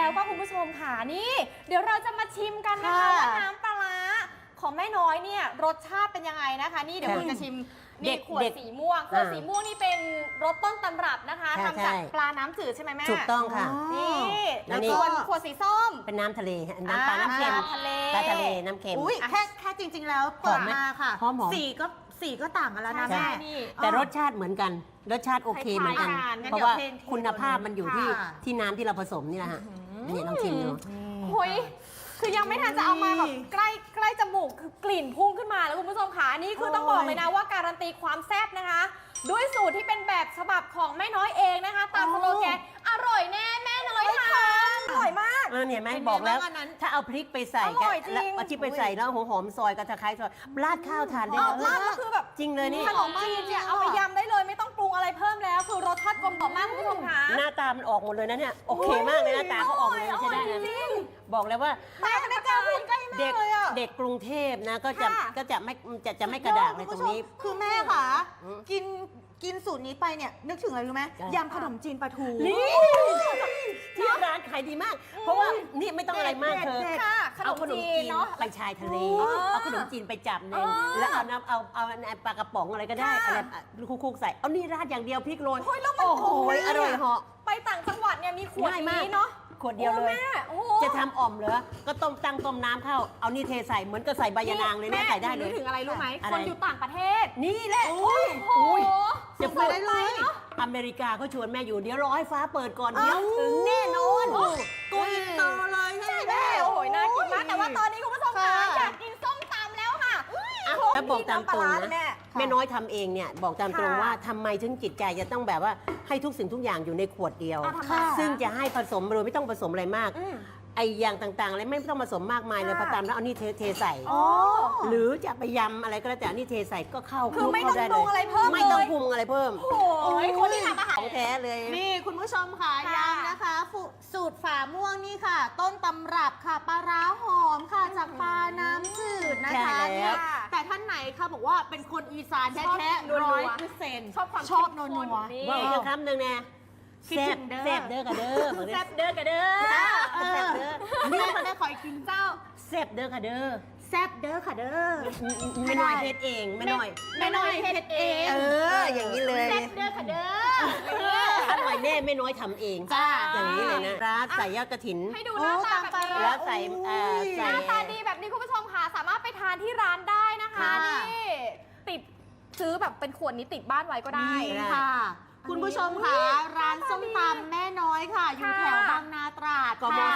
แล้วก็คุณผู้ชมค่ะนี่เดี๋ยวเราจะมาชิมกันนะคะว่าน้ำปลาร้าของแม่น้อยเนี่ยรสชาติเป็นยังไงนะคะนี่เดี๋ยวคุณจะชิมนี่ขวดสีม่วงขวดสีม่วงนี่เป็นรสต้นตำรับนะคะทำจากปลาน้ำจืดใช่ไหมแม่ถูกต้องค่ะนี่แล้วก็ขวดสีส้มเป็นน้ำทะเลน้ำปลาน้ำเค็มปลาทะเลน้ำเค็มอุ้ยแค่จริงๆแล้วเปิดมาค่ะสีก็ต่างกันแล้วนะแม่แต่รสชาติเหมือนกันรสชาติโอเคเหมือนกันเพราะว่าคุณภาพมันอยู่ที่น้ำที่เราผสมนี่แหละฮะนี่ลองชิมดูโอ้ยคือยังไม่ทันจะเอามาแบบใกล้จมูกคือกลิ่นพุ่งขึ้นมาแล้วคุณผู้ชมค่ะนี่คือต้องบอกเลยนะว่าการันตีความแซ่บนะคะด้วยสูตรที่เป็นแบบฉบับของแม่น้อยเองนะคะตามสโลแกนอร่อยแน่แม่น้อยค่ะอร่อยมากเนี่ยแม่บอกแล้วถ้าเอาพริกไปใส่กันแล้วเอาที่ไปใส่แล้วหัวหอมซอยกระตะไคร้ซอยราดข้าวทานได้เลยราดก็คือแบบจริงเลยนี่ขนมจีนเนี่ยเอาไปยำได้เลยไม่ต้องปรุงอะไรเพิ่มแล้วคือรสชาติกลมกล่อมมากคุณผู้ชมค่ะหน้าตามันออกหมดเลยนะเนี่ยโอเคมากเลยหน้าตาเขาออกเลยใช่ได้นะบอกเลยว่าไม่กล้าพูดใกล้แม่เลยอ่ะเด็กกรุงเทพนะก็จะไม่กระดากในตรงนี้คือแม่ค่ะกินสูตรนี้ไปเนี่ยนึกถึงอะไรรู้ไหมยำขนมจีนปลาทูนี่ที่ร้านขายดีมากเพราะว่านี่ไม่ต้องอะไรมากเธอเอาขนมจีนไปชายทะเลเอาขนมจีนไปจับนึงแล้วเอาน้ำเอาปลากระป๋องอะไรก็ได้อะไรคุกใส่เอานี่ราดอย่างเดียวพริกโรยโอ้โหอร่อยเหาะไปต่างจังหวัดเนี่ยมีขวดนี้เนาะขวดเดียวเลยจะทำอ่อมเหรอก็ต้มน้ำเข้าเอานี่เทใส่เหมือนกับใส่ใบยะนางเลยแม่ใส่ได้เลยนึกถึงอะไรรู้ไหมคนอยู่ต่างประเทศนี่แหละโอ้ยจะพูดได้เลยอเมริกาเขาชวนแม่อยู่เดี๋ยวรอให้ฟ้าเปิดก่อนเดี๋ยวถึงแน่นอนตัวอินเตอร์เลยใช่ไหมโอ้ยน่ากินมากแต่ว่าตอนนี้คุณผู้ชมคะอยากกินส้มตำแล้วค่ะแล้วบอกตามตรงนะแม่น้อยทำเองเนี่ยบอกตามตรงว่าทำไมถึงจิตใจจะต้องแบบว่าให้ทุกสิ่งทุกอย่างอยู่ในขวดเดียวซึ่งจะให้ผสมโดยไม่ต้องผสมอะไรมากไออย่างต่างๆอะไรไม่ต้องผสมมากมายเลยพอตามแล้วเอานี่เทใส่หรือจะไปยำอะไรก็แล้วแต่นี่เทใส่ก็เข้าคือไม่ต้องปรุงอะไรเพิ่มไม่ต้องปรุงอะไรเพิ่มโอ้ยคนที่ทำอาหารของแท้เลยนี่คุณผู้ชมค่ะย้ำนะคะสูตรฝาม่วงนี่ค่ะต้นตำรับค่ะปลาร้าหอมค่ะจากปลาน้ำจืดนะคะแต่ท่านไหนคะบอกว่าเป็นคนอีสานแท้ๆ100%ชอบนัวว่าอีกคำหนึ่งเนี่ยแซ่บเด้อกับเด้อแซ่บเด้อกับเด้อแซ่บเด้อนี่มันได้คอยกินเจ้าแซ่บเด้อกับเด้อแซ่บเด้อค่ะเด้อไม่น้อยเฮ็ดเองไม่น้อยเฮ็ดเองอย่างนี้เลยแซ่บเด้อค่ะเด้ออร่อยแน่ไม่น้อยทำเองจ้าอย่างนี้เลยนะร้านใส่ยอดกระถินให้ดูหน้าตาแบบนี้แล้วใส่หน้าตาดีแบบนี้คุณผู้ชมค่ะสามารถไปทานที่ร้านได้นะคะนี่ติดซื้อแบบเป็นขวดนี้ติดบ้านไว้ก็ได้ค่ะคุณผู้ชมค่ะร้านส้มตำแม่น้อยค่ะอยู่แถวบางนาตราดกม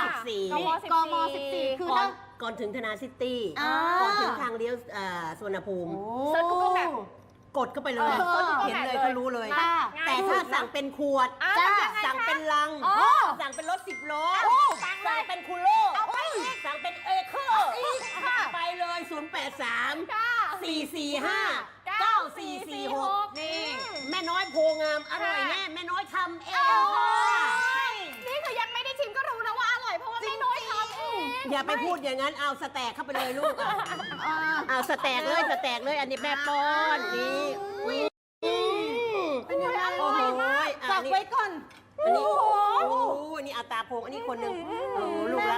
14คือก่อนถึงธนาซิตี้ก่อนถึงทางเลี้ยวสวนภูมิเซิร์ชกูเกิลแบบกดเข้าไปเลยเห็นเลยก็รู้เลยแต่ถ้าสั่งเป็นขวดสั่งเป็นลังสั่งเป็นรถ10 ล้อสั่งเป็นคูโร่สั่งเป็นเอเคอร์ไปเลย083 445 9446นี่แม่น้อยโพงามอร่อยแน่แม่น้อยทำเองนี่คือยังไม่ได้ชิมก็รู้นะว่าอร่อยเพราะว่าแม่น้อยทำเองอย่าไปพูดอย่างนั้นเอาสแต็กเข้าไปเลยลูกเอาสแต็กเลยอันนี้แม่ป้อนนี่เป็นยังไงอร่อยมากจับไว้ก่อนอันนี้โอ้นี่เอาตาโพงอันนี้คนหนึ่งลูกรัก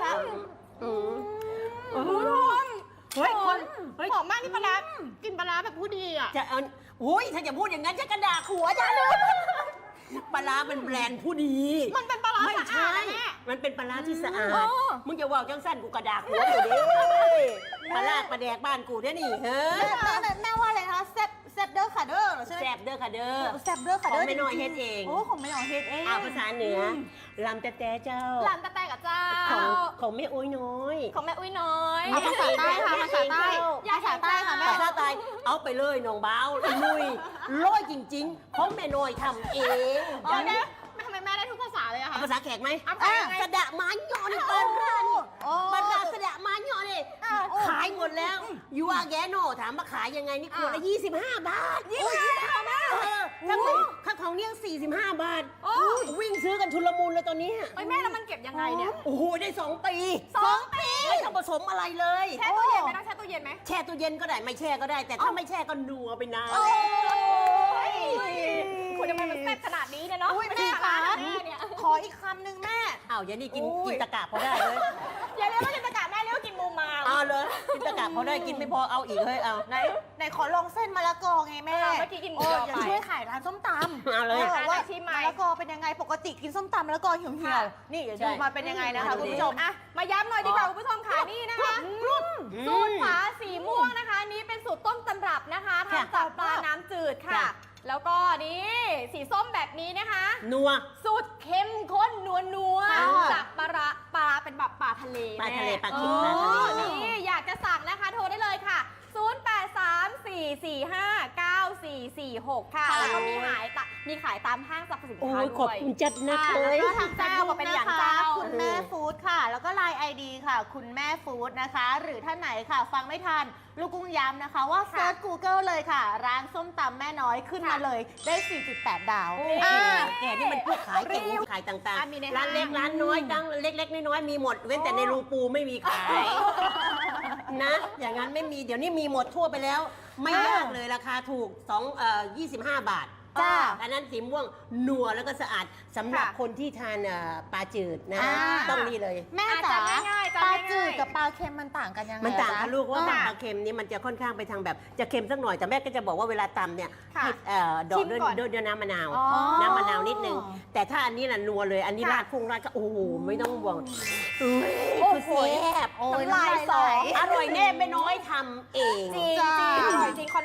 เฮ้ยหอมมากนี่ปลากินปลาแบบผู้ดีอ่ะจะเอาถ้าจะพูดอย่างนั้นจะกระดาษหัวจะเลยปลาเป็นแบรนด์ผู้ดีมันเป็นปลาไม่ใช่มันเป็นปลาที่สะอาดมึงจะว่าจังสั้นกูกระดาษหัวอยู่ดิปลาแดกบ้านกูเนี่ยนี่เฮ้ยแม่ว่าอะไรคะแซ่บเด้อค่ะเด้อใช่ไหมแซ่บเด้อค่ะเด้อของไม่น้อยเฮ็ดเองของไม่น้อยเฮ็ดเองภาษาเหนือลำแต่เจ้าลำแต่กับเจ้าของแม่อุ้ยน้อยของแม่อุ้ยน้อยภาษาใต้ค่ะภาษาใต้ค่ะแม่ภาษาใต้เอาไปเลยน้องบ้าวนุยร้อยจริงๆของแม่น้อยทำเองทำไมแม่ได้ทุกภาษาเลยอะคะภาษาแขกไหมสะดะไม้หย่อนเกินร้านบรรดาสะดะไม้หย่อนนี่ขายหมดแล้วยูอาแกโนถามมาขายยังไงนี่ขวดละ25 บาท 25 บาทข้าวของเนี่ย45 บาทวิ่งซื้อกันชุลมุนเลยตอนนี้แม่แล้วมันเก็บยังไงเนี่ยโอ้โหได้2 ปีไม่ต้องผสมอะไรเลยแช่ตู้เย็นไหมต้องแช่ตู้เย็นไหมแช่ตู้เย็นก็ได้ไม่แช่ก็ได้แต่ถ้าไม่แช่ก็นัวไปนานคุณทำไมมันแซ่บขนาดนี้เนี่ยเนาะแม่คะขออีกคำหนึ่งแม่อ้าวอย่างนี้กินอุ้ยกินตะกะพอได้เลยอย่าเรียกว่ากินตะกะแม่เรียกว่ากินมูมามเอาเลยกินตะกะพอได้กินไม่พอเอาอีกเฮ้ยเอาไหนขอลองเส้นมะละกอไงแม่เมื่อกี้กินหมูโอ้ยออย่าไปช่วยขายร้านส้มตำเอาเลยว่าชิมไหมมะละกอเป็นยังไงปกติกินส้มตำมะละกอเหี่ยวๆนี่เดี๋ยวดูมาเป็นยังไงนะคะคุณผู้ชมอ่ะมาย้ำหน่อยดีกว่าคุณผู้ชมค่ะนี่นะคะสูตรฝาสีม่วงนะคะนี่เป็นสูตรต้นตำรับนะคะทำจากปลาน้ำจืดค่ะ แล้วก็นี่สีส้มแบบนี้นะคะนัวสูตรเข้มข้นนัวค่ะๆจากปลาเป็นแบบปลาทะเลปลาทะเลแม่ปลาคิดปลาทะเลนี่อยากจะสั่งนะคะโทรได้เลยค่ะ 0834459446 ค่ะ แล้วก็มีขายตามห้างสรรพสินโอ้ค้ายขอบด้วยคุณจัดนะค่ะเลแล้วยก็ทางเจ้าว่าเป็นอย่างเจ้าคุณแม่ฟู้ดค่ะ แล้วก็ไลน์ ID ค่ะ คุณแม่ฟู้ดนะคะ หรือท่านไหนค่ะ ฟังไม่ทัน ลูกกุ้งย้ำนะคะ ว่าเซิร์ช Google เลยค่ะ ร้านส้มตำแม่น้อยขึ้นมาเลยได้ 4.8 ดาวแกนี่มันพูดขายเก่งขายต่างอ่ะมีในๆ ร้านเล็กร้านน้อยตั้งเล็กๆน้อยๆมีหมด เว้นแต่ในรูปูไม่มีขาย นะ อย่างนั้นไม่มีเดี๋ยวนี้มีหมดทั่วไปแล้ว ไม่ยากเลยราคาถูก25 บาทจ้าอันนั้นสีม่วงนัวแล้วก็สะอาดสำหรับค่ะคนที่ทานปลาจืดนะอ่าต้องนี่เลยแม่อ่ะจ๋าจำง่ายๆจำปลาง่ายๆจืดกับปลาเค็มมันต่างกันยังไงมันต่างกันลูกว่าจ๊ะปลาเค็มนี่มันจะค่อนข้างไปทางแบบจะเค็มสักหน่อยแต่แม่ก็จะบอกว่าเวลาตำเนี่ยค่ะให้ดอชิกมด้วยก่อนด้วยน้ำมะนาวอ๋อน้ำมะนาวนิดนึง แต่ถ้าอันนี้น่ะนัวเลย อันนี้ค่ะราดพุ่งราดก็โอ้โหไม่ต้องห่วงอุ้ยโอ้คือโหแซ่บโอ้ยน้ำลายสอน้ำลายงไหลอร่อยแน่ไม่น้อยทำเองจริงๆอร่อยจริง